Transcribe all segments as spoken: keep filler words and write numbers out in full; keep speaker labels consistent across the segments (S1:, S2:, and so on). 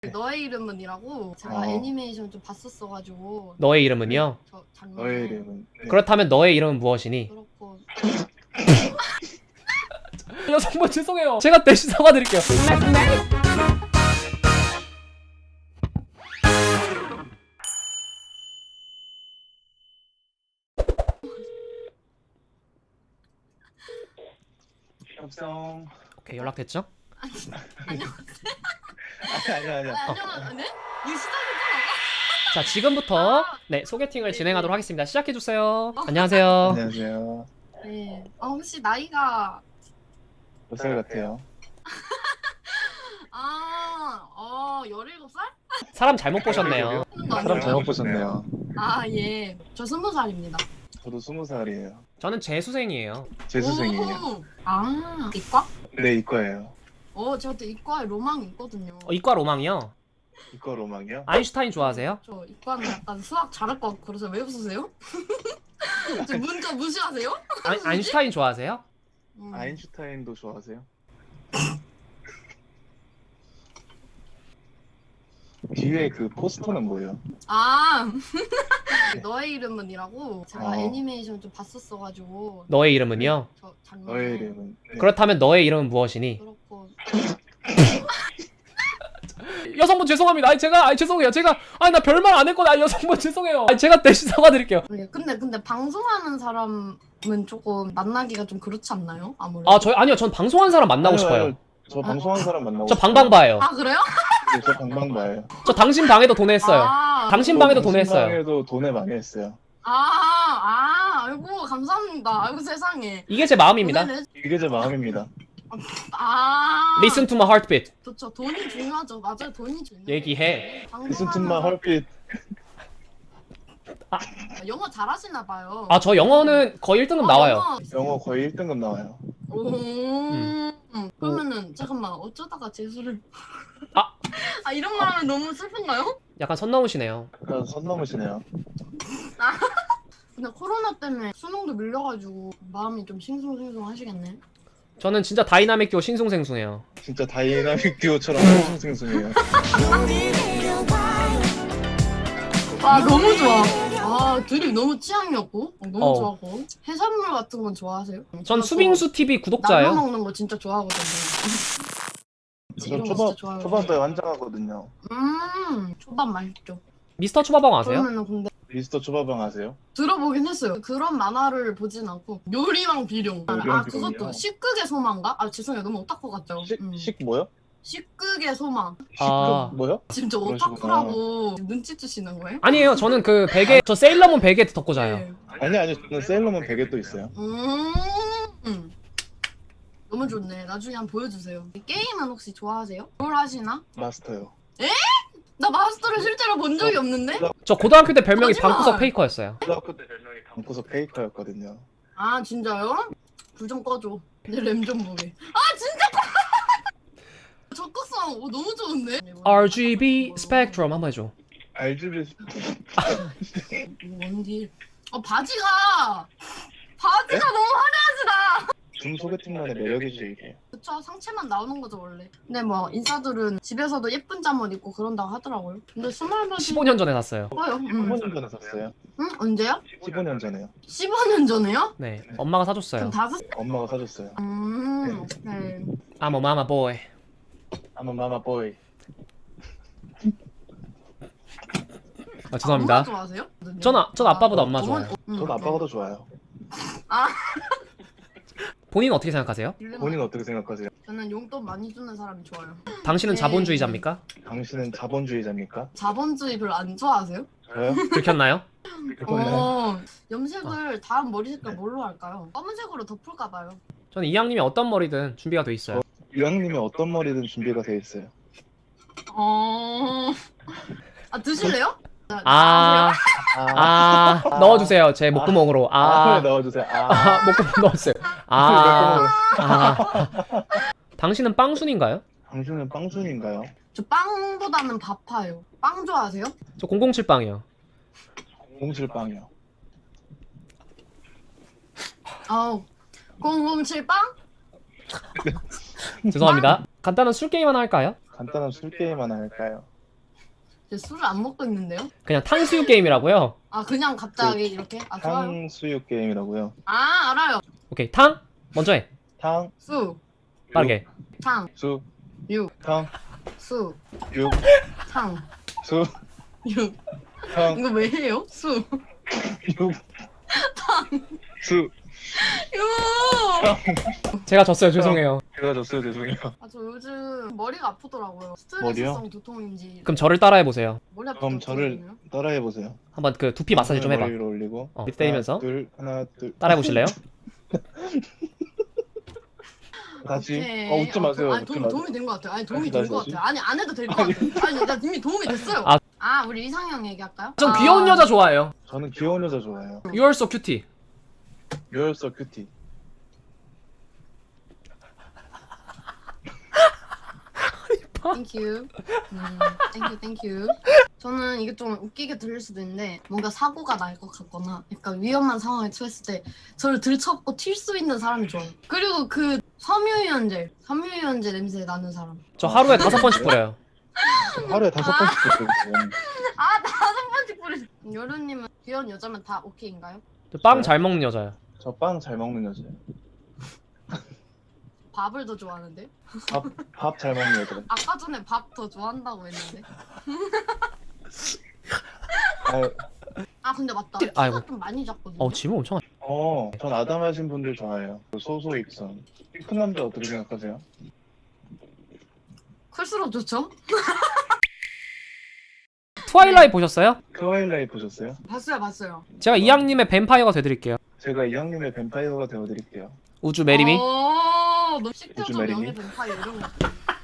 S1: 너의 이름은이라고 제가
S2: 어.
S1: 애니메이션 좀 봤었어가지고.
S3: 너의 이름은요?
S1: 저 장르.
S2: 너의 이름은 네.
S3: 그렇다면 너의 이름은 무엇이니?
S1: 그렇고.
S3: 여성분 죄송해요. 제가 대신 사과드릴게요.
S2: 협성.
S3: 오케이, 연락됐죠?
S2: 아니 아니 아니.
S1: 아, 안녕하세요. 네? 이거 시작했잖아.
S3: 자, 지금부터 네 소개팅을 진행하도록 하겠습니다. 시작해주세요. 안녕하세요.
S2: 안녕하세요.
S1: 네. 아 혹시 나이가
S2: 몇 살 같아요?
S1: 아, 어, 열일곱 살?
S3: 사람 잘못 보셨네요.
S2: 사람 잘못 보셨네요.
S1: 아, 예. 저 스무 살입니다.
S2: 저도 스무 살이에요.
S3: 저는 재수생이에요.
S2: 재수생이에요.
S1: 아, 이과?
S2: 네 이과예요.
S1: 어, 제가 또 이과에 로망이 있거든요.
S3: 어, 이과 로망이요?
S2: 이과 로망이요?
S3: 아인슈타인 좋아하세요?
S1: 저 이과는 약간 수학 잘할 것 같고 그래서 왜 웃으세요? 저 문자 무시하세요?
S3: 아, 아인슈타인 좋아하세요?
S1: 음.
S2: 아인슈타인도 좋아하세요? 뒤에 그 포스터는 뭐예요?
S1: 아, 너의 이름은이라고 제가
S2: 어.
S1: 애니메이션 좀 봤었어가지고.
S3: 너의 이름은요?
S1: 저 장르.
S2: 너의 이름은 네.
S3: 그렇다면 너의 이름은 무엇이니?
S1: 그렇고.
S3: 여성분 죄송합니다. 아니 제가 아니 죄송해요. 제가 아니 나 별말 안 했거든. 아니 여성분 죄송해요. 아니 제가 대신 사과드릴게요.
S1: 네, 근데 근데 방송하는 사람은 조금 만나기가 좀 그렇지 않나요? 아무래도.
S3: 아 저 아니요. 전 방송한 사람 만나고
S2: 아니요,
S3: 싶어요.
S2: 아니요. 저 방송한 사람 만나고
S3: 저
S2: 싶어요.
S3: 방방바예요.
S1: 아 그래요?
S2: 네, 저 방방바예요.
S3: 저 당신 방에도 돈 했어요.
S1: 아,
S3: 당신 방에도 돈 했어요.
S2: 방에도 돈을 많이 했어요.
S1: 아, 아, 아이고 감사합니다. 아이고 세상에.
S3: 이게 제 마음입니다.
S1: 돈을 내-
S2: 이게 제 마음입니다.
S1: 아.
S3: Listen to my heartbeat.
S1: 그렇죠. 돈이 중요하죠. 맞아요. 돈이 중요해요.
S3: 얘기해.
S2: Listen to my heartbeat.
S1: 영어 잘하시나 봐요.
S3: 아 저 영어는 거의 일 등급 나와요.
S1: 영어.
S2: 영어 거의 일 등급 나와요.
S1: 오.
S3: 음.
S1: 그러면은 잠깐만 어쩌다가 재수를
S3: 아.
S1: 아 이런 말 하면 너무 슬픈가요?
S3: 약간 선 넘으시네요.
S2: 약간 선 넘으시네요.
S1: 근데 코로나 때문에 수능도 밀려가지고 마음이 좀 싱숭생숭하시겠네.
S3: 저는 진짜 다이나믹 듀오 싱숭생숭해요.
S2: 진짜 다이나믹 듀오처럼 싱숭생숭해요.
S1: 아 너무 좋아. 아 둘이 너무 취향이었고 너무
S3: 어.
S1: 좋아하고 해산물 같은 건 좋아하세요?
S3: 전 수빙수 티비
S1: 나눠
S3: 구독자예요.
S1: 먹는 거 진짜 좋아하거든요.
S2: 저
S1: 이런 거
S2: 초밥
S1: 진짜 좋아하거든요.
S2: 초밥에 환장하거든요.
S1: 음 초밥 맛있죠.
S3: 미스터 초밥왕 아세요?
S1: 그러면은 근데
S2: 미스터 초밥왕 아세요?
S1: 들어보긴 했어요. 그런 만화를 보진 않고 요리왕 비룡. 아,
S2: 요리왕
S1: 아 그것도
S2: 비룡이요?
S1: 식극의 소망가? 아 죄송해요. 너무 오타쿠 같죠?
S2: 식,
S1: 음.
S2: 식 뭐요?
S1: 식극의 소망.
S3: 아.
S2: 식극 뭐요?
S1: 지금 저
S2: 그러시구나.
S1: 오타쿠라고 눈치 주시는 거예요?
S3: 아니에요. 저는 그 베개 저 세일러문 베개 덮고 자요.
S1: 네.
S2: 아니 아니 저는 세일러문 베개 또 있어요.
S1: 음. 너무 좋네. 나중에 한번 보여주세요. 게임은 혹시 좋아하세요? 뭘 하시나?
S2: 마스터요.
S1: 나 마스터를 실제로 본 적이 없는데?
S3: 저 고등학교 때 별명이
S1: 거짓말!
S3: 방구석 페이커였어요.
S2: 초등학교 때 별명이 방구석 페이커였거든요.
S1: 아 진짜요? 불 좀 꺼줘. 내 램 좀 보게. 아 진짜 꺼! 적극성 오, 너무 좋은데?
S3: 알지비 스펙트럼 한번 해줘.
S2: 알지비
S1: 원딜. 어 바지가 바지가 너무 화려하시다.
S2: 줌 소개팅만의 매력이죠 이게.
S1: 그쵸 상체만 나오는 거죠 원래. 근데 뭐 인싸들은 집에서도 예쁜 잠옷 입고 그런다고 하더라고요. 근데 스물몇
S3: 십오 년 전에 샀어요.
S1: 예뻐요. 응.
S2: 십오 년 전에 샀어요.
S1: 응? 언제요?
S2: 십오 년 전에요.
S1: 십오 년 전에요?
S3: 네, 엄마가
S1: 그럼
S3: 사줬어요.
S1: 다섯.
S2: 엄마가 사줬어요.
S1: 음. 네.
S3: I'm a mama boy.
S2: I'm a mama boy.
S3: 아, 죄송합니다.
S1: 엄마 좋아하세요?
S3: 전, 아, 전 아빠보다 엄마
S1: 어머-
S3: 좋아요.
S1: 음,
S2: 전 아빠가 더 좋아요.
S3: 본인은 어떻게 생각하세요?
S1: 네.
S2: 본인은 어떻게 생각하세요?
S1: 저는 용돈 많이 주는 사람이 좋아요.
S3: 당신은
S1: 네.
S3: 자본주의자입니까?
S2: 당신은 자본주의자입니까?
S1: 자본주의 별로 안 좋아하세요?
S2: 저요?
S3: 들켰나요?
S2: 그거는
S1: 어. 염색을 다음 머리 색깔 뭘로 할까요? 검은색으로 덮을까 봐요.
S3: 저는 이왕님이 어떤 머리든 준비가 돼 있어요.
S2: 유학님이 어떤 머리든 준비가 돼 있어요.
S1: 어. 아 드실래요?
S3: 아,
S2: 아,
S3: 아, 넣어주세요. 제 목구멍으로.
S2: 아,
S3: 아,
S2: 넣어주세요. 아,
S3: 아, 목구멍 넣었어요. 아, 아. 당신은 빵순인가요?
S2: 당신은 빵순인가요?
S1: 저 빵보다는 밥파예요. 빵 좋아하세요?
S3: 저 공공칠 빵이요.
S2: 공칠 빵이요.
S1: 아우. 공공칠 빵?
S3: 죄송합니다. 간단한 술 게임 하나 할까요?
S2: 간단한 술 게임 하나 할까요?
S1: 저 술을 안 먹고 있는데요?
S3: 그냥 탕수육 게임이라고요?
S1: 아 그냥 갑자기 이렇게? 아 좋아요.
S2: 탕수육 게임이라고요.
S1: 아 알아요.
S3: 오케이 탕 먼저 해
S2: 탕,
S1: 수,
S3: 빠르게.
S1: 탕,
S2: 수,
S1: 육,
S2: 탕,
S1: 수,
S2: 육,
S1: 탕,
S2: 수,
S1: 육.
S2: 탕,
S1: 이거 왜 해요? 수,
S2: 육, 수.
S1: 육.
S3: 제가 졌어요. 죄송해요.
S2: 제가 졌어요. 죄송해요.
S1: 아 저 요즘 머리가 아프더라고요.
S2: 머리요?
S1: 스트레스성 두통인지.
S3: 그럼 저를 따라해 보세요.
S1: 머리 아프죠?
S2: 그럼 저를 따라해 보세요.
S3: 한번 그 두피 마사지 좀 해봐.
S2: 머리를 올리고.
S3: 어, 밑 때리면서.
S2: 하나, 둘, 하나, 둘.
S3: 따라해 보실래요?
S2: 다시.
S1: 오케이.
S2: 어, 웃지 마세요.
S1: 아니
S2: 웃지
S1: 도움,
S2: 마세요.
S1: 도움이 된 것 같아요. 아니 도움이
S2: 다시,
S1: 된 것
S2: 다시.
S1: 같아요. 아니 안 해도 될 것 같아요. 아니 나 이미 도움이 됐어요.
S3: 아.
S1: 아, 우리 이상형 얘기할까요?
S3: 전
S1: 아,
S3: 귀여운 여자 좋아해요.
S2: 저는 귀여운 여자 좋아해요.
S3: You're so cutie.
S2: You're so cutie.
S1: Thank you. 음, thank you, thank you. 저는 이게 좀 웃기게 들릴 수도 있는데 뭔가 사고가 날 것 같거나 약간 위험한 상황에 처했을 때 저를 들쳐업고 튈 수 있는 사람이 좋아요. 그리고 그 섬유유연제, 섬유유연제 냄새 나는 사람.
S3: 저 하루에 다섯 번씩 뿌려요.
S2: 하루에 다섯 번씩 듣거든요.
S1: 아 다섯 번씩 뿌리. 여루님은 귀여운 여자면 다 오케이인가요?
S3: 빵 잘 먹는 여자요.
S2: 저빵 잘 먹는 여자예요.
S1: 밥을 더 좋아하는데?
S2: 밥, 밥 잘 먹는 여자.
S1: 아까 전에 밥 더 좋아한다고 했는데.
S2: 아,
S1: 아 근데 맞다.
S3: 아이고.
S1: 키가 좀 많이 작거든요.
S3: 어 지금 엄청.
S2: 어, 전 아담하신 분들 좋아해요. 소소익선. 큰 남자 어떻게 생각하세요?
S1: 클수록 좋죠?
S3: 트와일라이트 보셨어요?
S2: 트와일라이트 보셨어요?
S1: 봤어요, 봤어요.
S3: 제가 이양님의 뱀파이어가 돼드릴게요.
S2: 제가 이왕님의 뱀파이어가 되어드릴게요.
S3: 우주 메리미.
S1: 어, 너 식태적
S2: 요즘 메리미?
S1: 명예 뱀파이어 이런 거.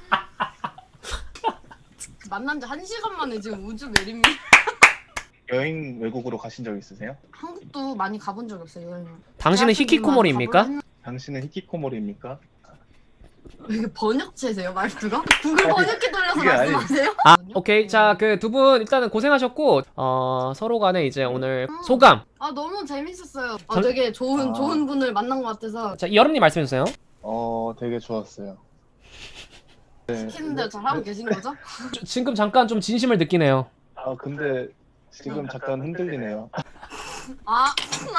S1: 만난 지 한 시간 만에 지금 우주 메리미.
S2: 여행 외국으로 가신 적 있으세요?
S1: 한국도 많이 가본 적이 없어요 여행.
S3: 당신은 히키코모리입니까?
S2: 당신은 히키코모리입니까?
S1: 왜 이게 번역체세요 말투가? 구글
S2: 아니,
S1: 번역기 돌려서
S2: 그게 아니-
S1: 말씀하세요?
S3: 아 오케이 자 그 두 분 일단은 고생하셨고 어 서로 간에 이제 오늘 소감.
S1: 아 너무 재밌었어요. 아,
S3: 전-
S1: 되게 좋은
S2: 아.
S1: 좋은 분을 만난 것 같아서
S3: 자 여름님 말씀해주세요.
S2: 어, 되게 좋았어요. 네.
S1: 시키는데 잘하고 계신 거죠?
S3: 저- 지금 잠깐 좀 진심을 느끼네요.
S2: 아, 근데 지금 잠깐 흔들리네요.
S1: 아,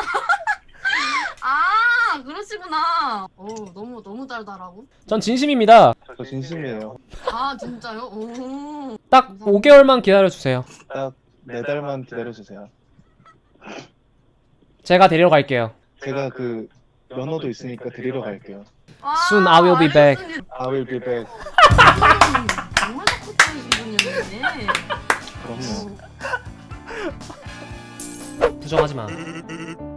S1: 아 그러시구나. 오 너무 너무 달달하고.
S3: 전 진심입니다.
S2: 저 진심이에요.
S1: 아 진짜요? 오.
S3: 딱 오 개월만 기다려주세요.
S2: 딱 네 달만 기다려주세요.
S3: 제가 데리러 갈게요.
S2: 제가 그 면허도 있으니까 데리러 갈게요.
S1: 아,
S3: Soon I will be back.
S1: 알겠습니다.
S2: I will be back.
S1: 정말 적극적이신 분이었네.
S2: 그럼요.
S3: 부정하지 마.